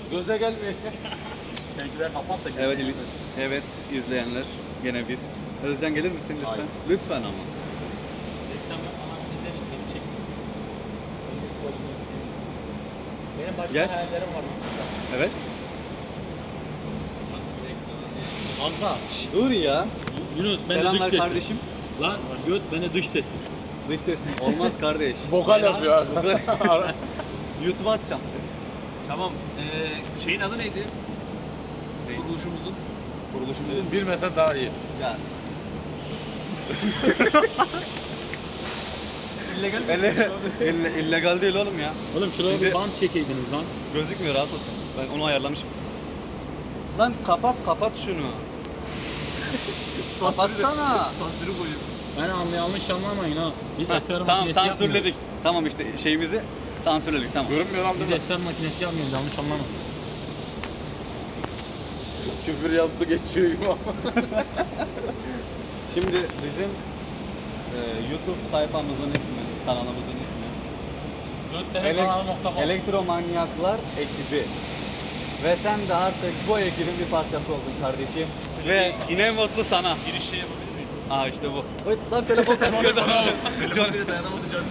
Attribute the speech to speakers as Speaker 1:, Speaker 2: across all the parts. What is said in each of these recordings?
Speaker 1: Göze gelmiyor. Pencereleri kapat da
Speaker 2: Evet, evet izleyenler gene biz. Özcan gelir misin lütfen?
Speaker 1: Hayır.
Speaker 2: Lütfen ama.
Speaker 1: Reklam yapmadan izleyin, beni çekmesin. Benim başka
Speaker 2: Gel.
Speaker 1: hayallerim var.
Speaker 2: Evet.
Speaker 1: Kanka.
Speaker 2: Dur ya.
Speaker 1: Yunus ben de dış
Speaker 2: Selamlar
Speaker 1: sesim.
Speaker 2: kardeşim.
Speaker 1: Lan göt ben de dış sesim.
Speaker 2: Dış ses mi? Olmaz kardeş.
Speaker 1: Vokal yapıyor.
Speaker 2: YouTube'a atacağım.
Speaker 3: Tamam. Şeyin adı neydi? Kuruluşumuzun.
Speaker 2: Kuruluşumuzun
Speaker 1: Bilmesen daha iyi.
Speaker 2: ya.
Speaker 3: İllegal
Speaker 2: illegal değil oğlum ya.
Speaker 1: Oğlum şuraya
Speaker 2: Şimdi-
Speaker 1: bir bant çekeydiniz lan.
Speaker 2: Gözükmüyor, rahat olsun. Ben onu ayarlamışım. Lan kapat şunu. Kapatsana.
Speaker 3: Sansürü koyuyor.
Speaker 1: Ben yanlış anlamayın ha. Biz eser
Speaker 2: Tamam,
Speaker 1: makinesi
Speaker 2: sansürledik.
Speaker 1: yapmıyoruz.
Speaker 2: Tamam işte şeyimizi sansürledik, tamam.
Speaker 3: Görünmüyor lan
Speaker 1: Biz eser makinesi yapmıyoruz, yanlış anlamayın.
Speaker 3: Küfür yazdı geçiyor gibi ama.
Speaker 2: Şimdi bizim YouTube sayfamızın ismi, kanalımızın ismi Elektromanyaklar ekibi. Ve sen de artık bu ekibin bir parçası oldun kardeşim. Ve yine mutlu sana.
Speaker 3: Giriş şey yapabilir miyim?
Speaker 2: Aa işte bu. Oy, lan telefon kaçıyor.
Speaker 3: Telefonla dayanamayacağız.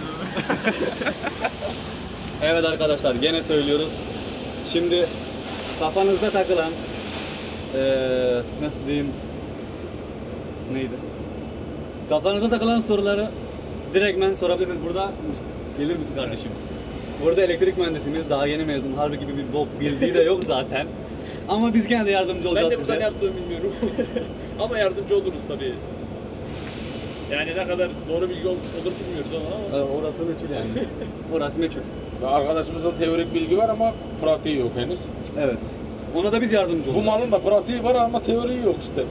Speaker 2: Evet arkadaşlar, gene söylüyoruz. Şimdi kafanızda takılan nasıl diyeyim, neydi? Kafanızda takılan soruları direktmen sorabilirsiniz. Burada gelir misin kardeşim? Burada elektrik mühendisimiz, daha yeni mezun, harbi gibi bir bok bildiği de yok zaten. Ama biz gene de yardımcı olacağız
Speaker 3: Ben de burada ne
Speaker 2: size.
Speaker 3: yaptığımı bilmiyorum. Ama yardımcı oluruz tabii. Yani ne kadar doğru bilgi olur bilmiyoruz ama.
Speaker 2: Orası meçhul yani. Orası meçhul.
Speaker 3: Arkadaşımızın teorik bilgi var ama pratiği yok henüz.
Speaker 2: Evet. Ona da biz yardımcı
Speaker 3: Bu
Speaker 2: olacağız.
Speaker 3: malın da pratiği var ama teoriği yok işte.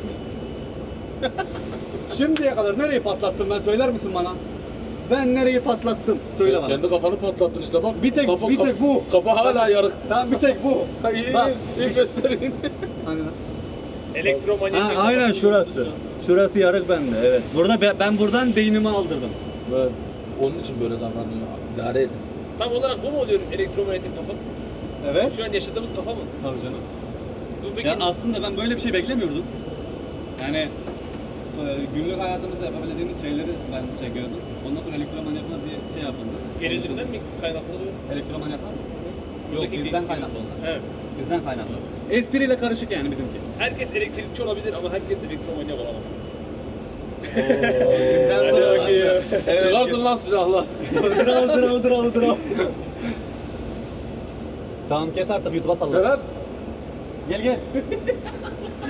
Speaker 2: Şimdiye kadar nereyi patlattın, ben söyler misin bana? Ben nereyi patlattım? Söyle bana.
Speaker 3: Kendi kafanı patlattın işte bak.
Speaker 2: Bir tek bu.
Speaker 3: Kafa hala yarık.
Speaker 2: Tamam, bir tek bu.
Speaker 3: Ha, iyi
Speaker 2: Bak,
Speaker 3: iyi göstereyim.
Speaker 2: Hani
Speaker 3: Elektromanyetik.
Speaker 2: ha, aynen şurası. Şurası yarık bende, evet. Burada ben buradan beynimi aldırdım.
Speaker 3: Evet. Onun için böyle davranıyor. İdare edin. Tam olarak bu mu oluyor elektromanyetik kafa?
Speaker 2: Evet.
Speaker 3: Şu an yaşadığımız kafa mı?
Speaker 2: Tabii canım.
Speaker 3: Bu peki
Speaker 2: Ya aslında ben böyle bir şey beklemiyordum. Yani günlük hayatımızda yapabileceğimiz şeyleri ben çekiyordum. Ondan sonra elektromanyaklar diye şey yapıldı.
Speaker 3: gerilinden mi kaynaklanıyor?
Speaker 2: Elektromanyaklar mı? Yok,
Speaker 3: Buradaki
Speaker 2: bizden
Speaker 3: bir-
Speaker 2: kaynaklı onlar.
Speaker 3: Evet.
Speaker 2: Bizden kaynaklı. Espriyle karışık yani bizimki.
Speaker 3: Herkes elektrikçi olabilir ama herkes elektromanyak olamaz.
Speaker 2: Bizden sonra
Speaker 3: Evet. Çıkardın lan silahla.
Speaker 2: dır. Tamam, kes artık, YouTube'a salla.
Speaker 3: Serhat.
Speaker 2: Gel.